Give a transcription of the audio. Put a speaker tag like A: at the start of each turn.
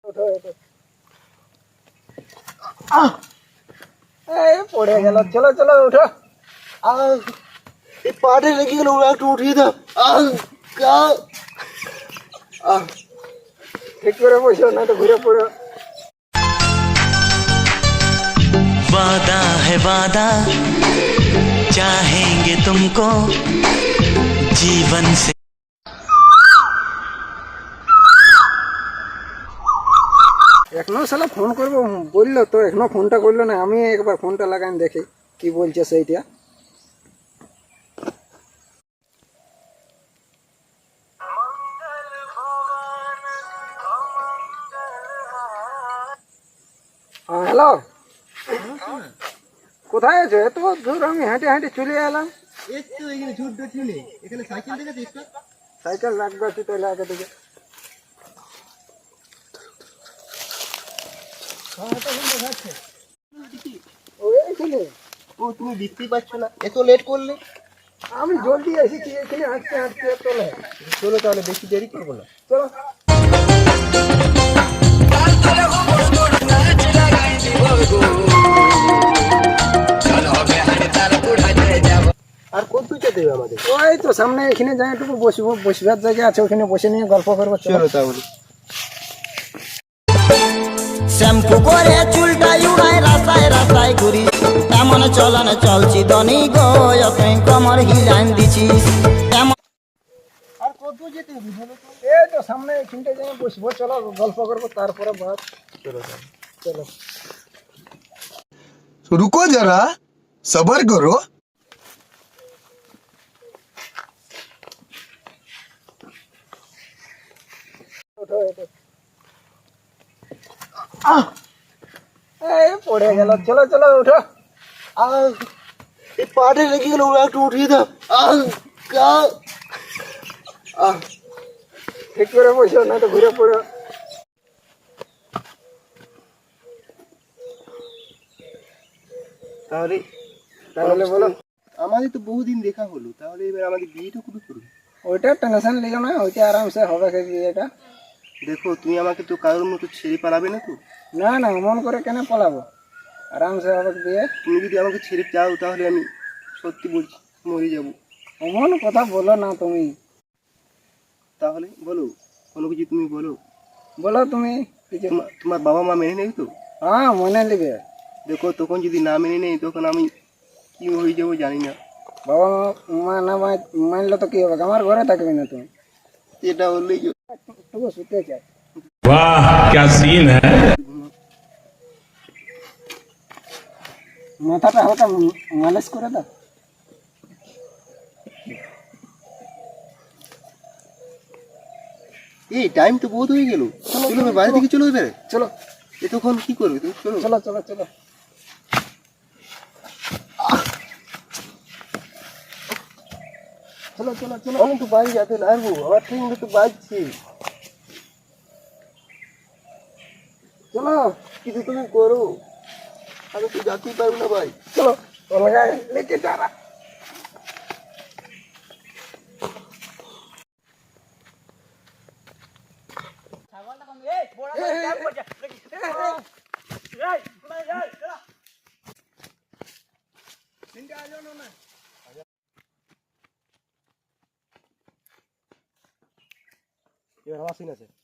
A: পড়ে গেল, চলো চলো উঠো।
B: এই পাটে লেগে গেল, একটু উঠিয়ে দাও।
A: ঠিক করে বসো, না তো ঘুরে পড়ো।
C: वादा है वादा चाहेंगे तुमको जीवन से।
A: এখনো শালা ফোন করবো বললো তো, এখনো ফোনটা করলো না। আমি একবার ফোনটা লাগান দেখি কি বলছে সেইটা। হ্যাঁ হ্যালো, কোথায় আছো? এত দূর আমি হেঁটে হেঁটে চলে এলাম।
B: একটু এখানে ঝুট ঢুটলি, এখানে সাইকেল দেখেছিস তো?
A: সাইকেল লাগবে একটু, তাহলে আগে থেকে। ওইখানে
B: ও তুমি দেখতেই পাচ্ছ না, এত লেট করলে।
A: আমি জলদি এসেছি, এখানে হাঁটতে হাঁটতে চলে।
B: চলো তাহলে, বেশি দেরি করবো না।
A: চলো।
B: আর কত যেতে হবে আমাদের?
A: ওই তো সামনে এখানে যাই, একটু বসবো, বসবার জায়গা আছে, ওখানে বসে নিয়ে গল্প করবো।
B: চলো তাহলে।
D: শ্যাম্পু করে চুলটা উড়াই রাস্তায় রাস্তায় ঘুরি, এমন চলন চলছি দনি গো, তুই কমর হিলান দিছিস এমন।
B: আর কত যেতে হবে বলো তো?
A: এই তো সামনে এখানটা যাই বসবো, চলো গল্প করবো, তারপরে বাদ।
B: চলো
A: চলো।
E: रुको जरा सबर करो।
A: ওঠো, ওঠো। এই পড়ে গেল, চলো চলো উঠো।
B: এই পাটে লেগে গেল, একটু উঠিয়ে দাও।
A: ঠিক করে বসো, না তো ঘুরে পড়ো।
B: তাহলে
A: তাহলে বলো।
B: আমাদের তো বহুদিন দেখা হলো, তাহলে এবার আমাদের বিয়েটা কবে করবে?
A: ওইটা টেনশন লিও না, ওইটা আরামসে হবে বিয়েটা।
B: দেখো, তুমি আমাকে তো কারোর মতো ছেড়ে পালাবে না তো?
A: না না, মন করে কেন পালাবো, আরামসে হবে বিয়ে।
B: তুমি যদি আমাকে ছেড়ে যাও তাহলে আমি সত্যি বলছি মরে যাব।
A: এমন কথা বলো না তুমি।
B: তাহলে বলো, কোনো কিছু তুমি বলো।
A: বলো তুমি কিছু।
B: তোমার বাবা মা মেনে নেই তো?
A: হ্যাঁ মনে নেবে।
B: দেখো, তখন যদি না মেনে নেই, তখন আমি কি হয়ে যাবো জানি না।
A: বাবা মা না মানলে তো কি হবে, আমার ঘরে থাকবে না তুমি।
B: এটা হলেই
A: তবু শুতে চাই।
F: वाह क्या सीन है।
A: মাথাটা হালকা মালিশ করে দাও।
B: এই টাইম তো বহুত হয়ে গেল। চলো এবার বাইরে থেকে চলো এবারে।
A: চলো
B: এতক্ষণ কি করবে তুমি? চলো
A: চলো চলো চলো। চলো চলো চলো।
B: আমি তো বাড়ি যেতে লাগবো, আমার ট্রেনটা তো বাজছে।
A: চলো
B: কিছু তুমি করো, আমি তো যেতেই পারবো না ভাই।
A: চলো অলগা লেকে যারা।
B: এবার আমার সিন আছে।